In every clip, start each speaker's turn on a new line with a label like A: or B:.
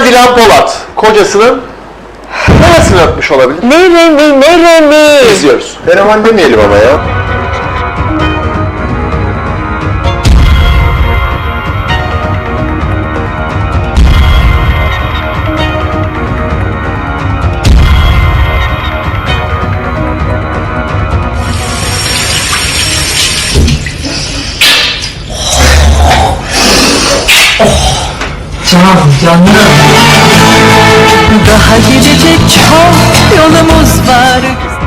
A: Dilan Polat kocasının neresini öpmüş olabilir?
B: Neremi?
A: İzliyoruz. Fenomen demeyelim ama ya.
B: Canım. Daha gidecek çok yolumuz var.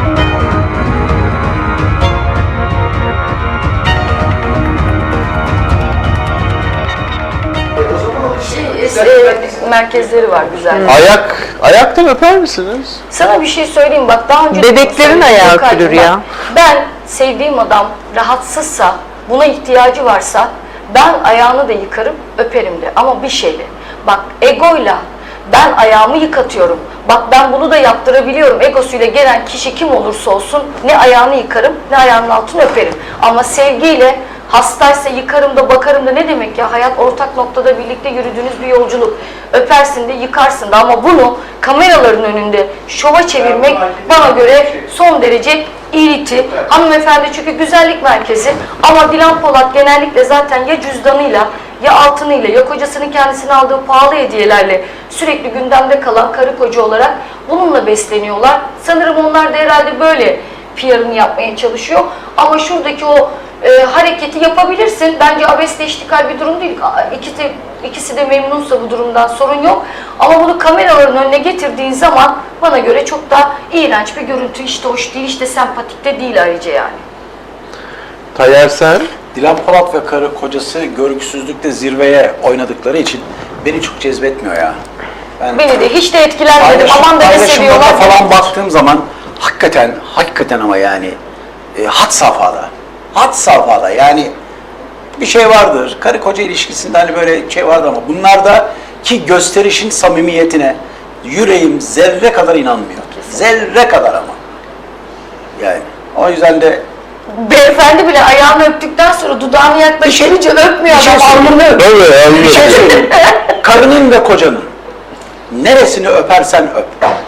C: Merkezleri var güzel.
A: Ayaktan öper misiniz?
C: Sana bir şey söyleyeyim bak daha önce...
B: Bebeklerin ayağı öpülür ya.
C: Ben sevdiğim adam rahatsızsa, buna ihtiyacı varsa ben ayağını da yıkarım, öperim de. Ama bir şeyle. Bak egoyla ben ayağımı yıkatıyorum. Bak ben bunu da yaptırabiliyorum. Egosuyla gelen kişi kim olursa olsun ne ayağını yıkarım ne ayağının altını öperim. Ama sevgiyle hastaysa yıkarım da bakarım da ne demek ya? Hayat ortak noktada birlikte yürüdüğünüz bir yolculuk. Öpersin de yıkarsın da ama bunu kameraların önünde şova çevirmek bana göre son derece iriti. Hanımefendi çünkü güzellik merkezi ama Dilan Polat genellikle zaten ya cüzdanıyla ya altınıyla ya kocasının kendisine aldığı pahalı hediyelerle sürekli gündemde kalan karı koca olarak bununla besleniyorlar. Sanırım onlar da herhalde böyle PR'ını yapmaya çalışıyor. Ama şuradaki o hareketi yapabilirsin. Bence abesle iştikal bir durum değil. İkisi de memnunsa bu durumdan sorun yok. Ama bunu kameraların önüne getirdiğin zaman bana göre çok da iğrenç bir görüntü. Hiç de hoş değil, hiç de sempatik de değil ayrıca yani.
A: Tayyar sen?
D: Dilan Polat ve karı kocası görgüsüzlükte zirveye oynadıkları için beni çok cezbetmiyor ya.
C: Beni de hiç de etkilenmedim. Aman da ne seviyorlar.
D: falan baktığım zaman hakikaten ama yani had safhada yani bir şey vardır. Karı koca ilişkisinde hani böyle şey vardır ama bunlarda ki gösterişin samimiyetine yüreğim zerre kadar inanmıyor. Zerre kadar ama. Yani o yüzden de
C: Beyefendi bile ayağını öptükten sonra dudağını yaklaşınca öpmüyor
D: bir şey
C: adam, alnını öpüyor.
D: bir şey söyleyeyim. Karının ve kocanın neresini öpersen öp.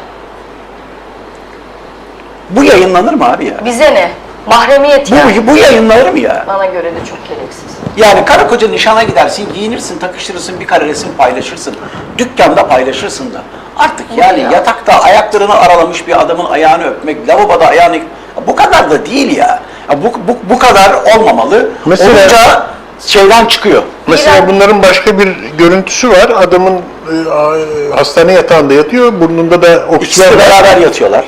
D: Bu yayınlanır mı abi ya?
C: Bize ne? Mahremiyet ya.
D: Bu yayınlanır mı ya?
C: Bana göre de çok gereksiz.
D: Yani karı koca nişana gidersin, giyinirsin, takıştırırsın, bir kare resim paylaşırsın. Dükkanda paylaşırsın da. Artık yani yatakta ayaklarını aralamış bir adamın ayağını öpmek, lavaboda ayağını... Bu kadar da değil ya. Bu kadar olmamalı.
A: Mesela-
D: Olunca şeyden çıkıyor.
A: Mesela bunların başka bir görüntüsü var. Adamın hastane yatağında yatıyor. Burnunda da
D: İkisi
A: oksijen
D: de
A: var.
D: beraber yatıyorlar.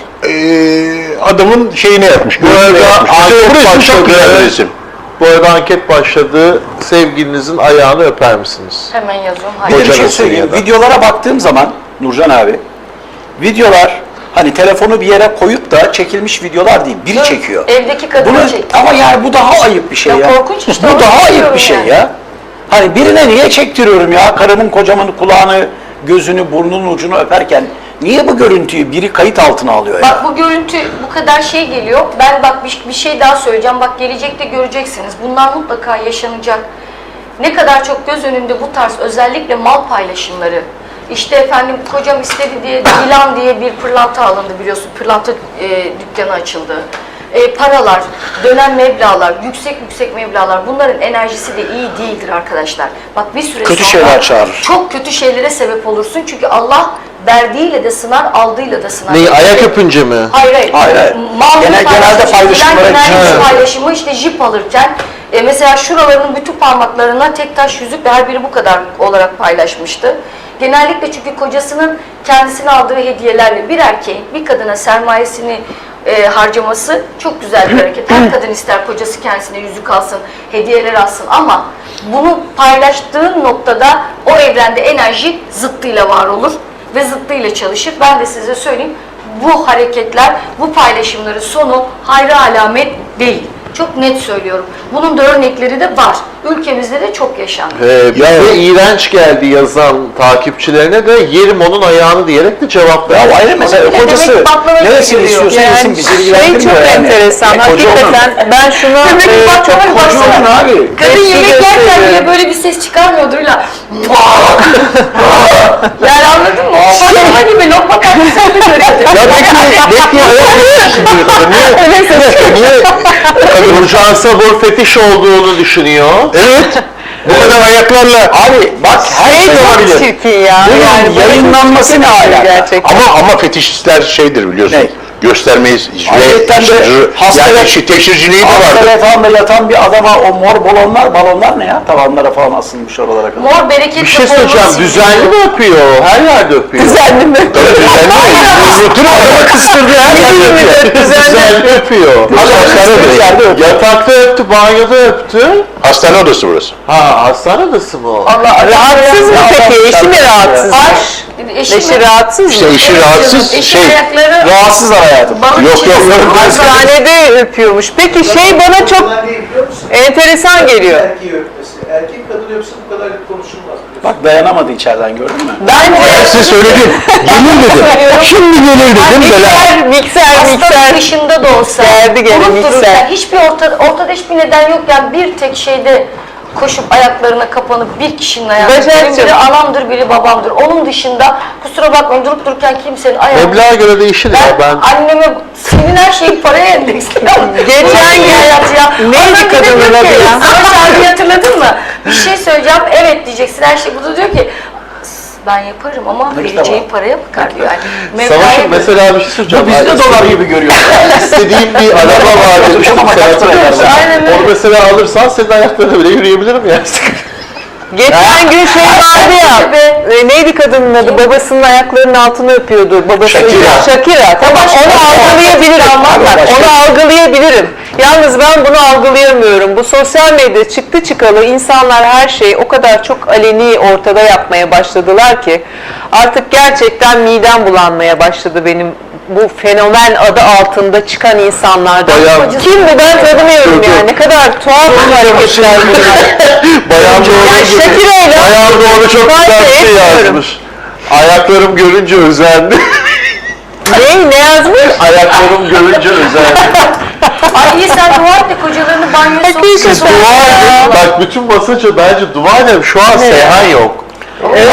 A: Adamın şeyini yapmış.
E: Bu arada anket başladı. Bu arada anket başladı. Sevgilinizin ayağını öper misiniz?
C: Hemen yazıyorum.
D: Bir de
C: Hayır.
D: bir şey
A: Kocanın
D: söyleyeyim.
A: ya da.
D: Videolara baktığım zaman Nurcan abi, videolar hani telefonu bir yere koyup da çekilmiş videolar değil, biri çekiyor.
C: Evdeki kadını
D: Bunu,
C: çekti.
D: ama yani bu daha ayıp bir şey
C: Ya
D: ya.
C: korkunç işte,
D: Bu
C: onu
D: daha ayıp
C: söylüyorum
D: bir şey
C: yani.
D: ya. Hani birine niye çektiriyorum ya karımın kocamın kulağını, gözünü, burnunun ucunu öperken niye bu görüntüyü biri kayıt altına alıyor ya?
C: Bak bu görüntü bu kadar şey geliyor. Ben bak bir şey daha söyleyeceğim. Bak gelecekte göreceksiniz. Bunlar mutlaka yaşanacak. Ne kadar çok göz önünde bu tarz özellikle mal paylaşımları. İşte efendim kocam istedi diye Dilan diye bir pırlanta alındı biliyorsun. Pırlanta dükkanı açıldı. Paralar, dönen meblağlar, yüksek meblağlar bunların enerjisi de iyi değildir arkadaşlar. Bak bir süre
D: Kötü
C: sonra
D: şeyler çağırır.
C: çok kötü şeylere sebep olursun. Çünkü Allah verdiğiyle de sınar, aldığıyla da sınar.
E: Neyi, ayak öpünce mi?
C: Hayır.
D: Hayır. Genelde paylaşımlara
C: genel paylaşımı işte jip alırken mesela şuralarının bütün parmaklarına tek taş yüzük ve her biri bu kadar olarak paylaşmıştı. Genellikle çünkü kocasının kendisine aldığı hediyelerle bir erkeğin bir kadına sermayesini harcaması çok güzel bir hareket. Her kadın ister kocası kendisine yüzük alsın, hediyeler alsın ama bunu paylaştığın noktada o evrende enerji zıttıyla var olur ve zıttıyla çalışır. Ben de size söyleyeyim, bu hareketler, bu paylaşımların sonu hayra alamet değil. Çok net söylüyorum. Bunun da örnekleri de var. Ülkemizde de çok yaşandı.
E: Bize iğrenç geldi yazan takipçilerine de yerim onun ayağını diyerek de cevap
D: Ya
E: verdi.
D: ayrı mesela
C: Ne
D: kocası
C: demek baklava
D: neresini
C: gibi
D: istiyorsa
C: yani.
D: yesin bizi
B: Şey
D: ilgilendirmiyor
B: çok
D: yani.
B: enteresan.
D: Koca onun.
B: Hakikaten ben şunu çok
D: Koca onun abi.
C: Kadın yemek yerken bile böyle bir ses çıkarmıyordur illa. Yani anladın
A: Ya belki niye
E: Nurcan Sabur fetiş olduğunu düşünüyor.
A: evet bu kadar ayaklarla
D: Abi bak her şey olabilir.
B: Çirkin ya.
D: Bunun yayınlanması ne alaka?
B: Gerçekten.
A: ama fetişistler şeydir biliyorsun.
D: Ne?
A: Göstermeyiz.
D: Ayetten de
A: Yani teşhirciliği de
D: hasta
A: vardır.
D: yatağında yatan bir adama o mor balonlar ne ya? Tavanlara falan asılmış oralara kadar.
C: Mor bereketli
E: Bir şey söyleyeceğim, düzenli mi öpüyor? Her yerde öpüyor.
B: Düzenli mi?
A: Tabii düzenli. Yutun adamı kıstırdı her yerde öpüyor.
E: Düzenli öpüyor.
A: Hastane
D: yerde
A: odası.
D: öpüyor.
E: Yatakta öptü, banyoda öptü.
A: Hastane odası burası.
E: Ha, hastane odası mı o?
B: Rahatsız mı peki? Eşi mi rahatsız? Eşi rahatsız
A: İşte
B: mı?
A: işi rahatsız
C: Eşi
A: şey.
C: ayakları
D: Rahatsızlar hayatım.
C: balık
A: Yok,
C: çizgisi.
A: yok.
B: Hastanede öpüyormuş. Peki şey bana çok enteresan geliyor.
F: Erkeği öpmesi. Erkek kadın öpse bu kadar konuşulmaz.
D: Bak dayanamadı içeriden gördün mü?
A: Ben size söyledim. Gelir dedim. Şimdi gelir dedim. Bela.
C: Hastanın dışında da olsa
B: Geldi gene
C: durup
B: mikser.
C: dururken hiçbir ortada hiçbir neden yokken bir tek şeyde koşup ayaklarına kapanıp bir kişinin ayağına.
B: Başakçığım.
C: Biri anamdır, biri babamdır. Onun dışında kusura bakmayın durup dururken kimsenin ayağına.
E: Meblağa göre değişir ya.
C: Ben anneme senin her şeyin paraya endeksliyorum.
B: Geçen gün neydi kadının adı ya?
C: Savaş abi hatırladın mı? Bir şey söyleyeceğim, evet diyeceksin her şey. Bu da diyor ki ben yaparım ama
D: Nakit
C: vereceğim
D: ama.
C: paraya bakar diyor. Yani
E: Savaş'ın
C: Mevla'ya
E: mesela bir şey söyleyeceğim.
D: Biz de dolar gibi görüyoruz.
E: İstediğim bir araba var demiştim.
D: Ama kaç lira eder?
C: Aynen öyle.
E: Onu mesela alırsan senin ayaklarına bile yürüyebilirim ya.
B: Geçen gün şey vardı ya, neydi kadının adı? Babasının ayaklarının altını öpüyordu. Shakira. Tamam, onu algılayabilirim. Bak, onu algılayabilirim. Yalnız ben bunu algılayamıyorum. Bu sosyal medya çıktı çıkalı insanlar her şeyi o kadar çok aleni ortada yapmaya başladılar ki artık gerçekten midem bulanmaya başladı benim bu fenomen adı altında çıkan insanlardan.
E: Bayağı-
B: Kim bu ben tanımıyorum yani. Ne kadar tuhaf hareketler bunlar.
E: Bayan
B: Yani Shakira'yla
E: Bayan doğru çok güzel bir şey
B: etmiyorum.
E: yazmış. Ayaklarım görünce özendi.
B: Ne yazmış?
E: Ayaklarım görünce özendi.
C: Ay iyi sen dua et de kocalarını banyoya
B: Hakikaten.
C: soksun.
E: Dua edin. Bak bütün basınca bence dua edin. Şu an Seyhan yok.
B: Evet.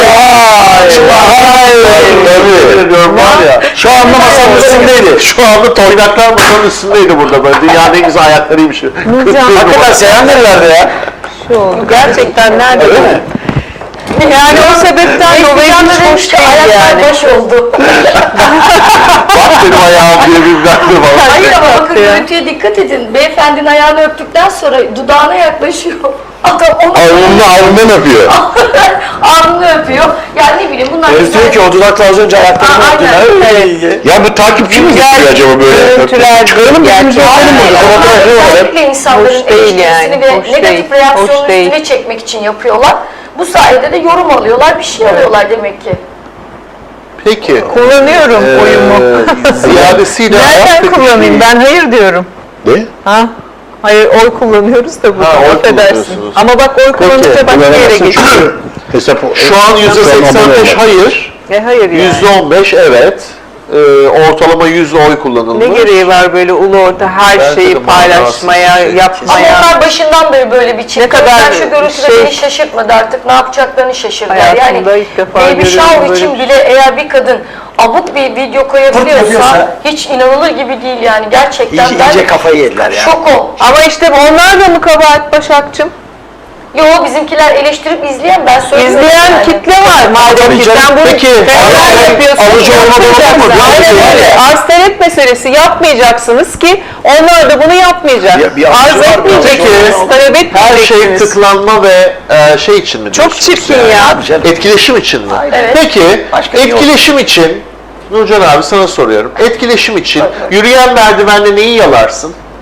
E: Tabii. Diyorum var ya.
D: Şu anda masanın üstündeydi.
E: Şu anda toynaklar masanın üstündeydi burada böyle. Dünyanın en güzel ayaklarıymış.
D: Hakikaten Seyhan nerelerde ya?
B: Şu oldu. Gerçekten nerede?
D: Öyle mi?
B: Yani o sebepten dolayı hiç hoş değil yani.
C: Ayaklar boş oldu.
E: Bak benim ayağım diye bir baktı bana.
C: Hayır ama bakın
B: ya.
C: görüntüye dikkat edin. Beyefendinin ayağını öptükten sonra dudağına yaklaşıyor. Adam onu
A: Alnından öpüyor.
C: alnını öpüyor. Yani ne bileyim bunlar
D: Herif diyor ki o dudakla az önce ayaklarını
C: Aa,
D: öptün.
C: aynen.
D: Evet.
A: Ya bu takipçi mi getiriyor acaba böyle?
B: Görüntüler
A: Çıkaralım birbirimize öpelim burada. Fotoğrafı var.
C: Özellikle insanların
B: Hoş değil
C: eleştirisini
B: yani,
C: ve
B: hoş
C: negatif
B: değil,
C: reaksiyonun
B: hoş değil.
C: üstüne çekmek için yapıyorlar. Bu sayede de yorum alıyorlar, bir şey alıyorlar demek ki.
E: Peki.
B: Kullanıyorum oyumu.
E: Ziyadesiyle
B: Nereden kullanayım? Ben hayır diyorum.
A: Ne?
B: Ha? Hayır oy kullanıyoruz da burada.
E: Ha, oy
B: Affedersin.
E: kullanıyorsunuz.
B: Ama bak oy kullanınca başka yere
A: Kullanamazsın
B: geçiyor.
A: çünkü hesap
E: Şu an %85 hayır,
B: Hayır yani.
E: %15 evet. Ortalama 100 oy kullanılmış.
B: Ne gereği var böyle ulu orta her
E: Bence de
B: şeyi paylaşmaya,
E: manasız bir şey.
C: Ama
B: yapmaya?
C: onlar başından beri böyle bir çift.
B: Ne kadar
C: Ben şu görüntüde
B: şey-
C: beni şaşırtmadı artık ne yapacaklarını şaşırdılar.
B: Hayatımda
C: Yani
B: ilk defa
C: Baby
B: görüyorum
C: Shower
B: böyle
C: için
B: bir şey.
C: bile eğer bir kadın abuk bir video koyabiliyorsa
D: yapıyorsa-
C: hiç inanılır gibi değil yani gerçekten.
D: İyice kafayı yediler ya.
C: Şokum.
B: Ama işte onlar da mı kabahat Başakçım?
C: Yo bizimkiler eleştirip izleyen ben söylüyorum.
B: İzleyen
C: yani.
B: kitle var madem
D: Tabii
B: ki.
D: canım.
B: Sen bunu
E: Peki,
B: fenomen yapıyorsun.
E: alıcı olmadan
B: yapmayacaksın.
E: olmaz.
B: Aynen öyle. Arz talep meselesi yapmayacaksınız ki onlar da bunu yapmayacak.
D: Bir alıcı
B: Arz
D: var, bir
B: etmeyeceksiniz,
D: alıcı
B: talep
E: Her şey
B: etmeyeceksiniz.
E: tıklanma ve şey için mi
B: Çok
E: diyorsunuz
B: çirkin
E: yani?
B: ya.
D: Abi canım.
E: Etkileşim için mi?
C: Evet.
E: Peki,
D: Başka bir
E: etkileşim için, Nurcan abi sana soruyorum. Etkileşim için yürüyen merdivende neyi yalarsın?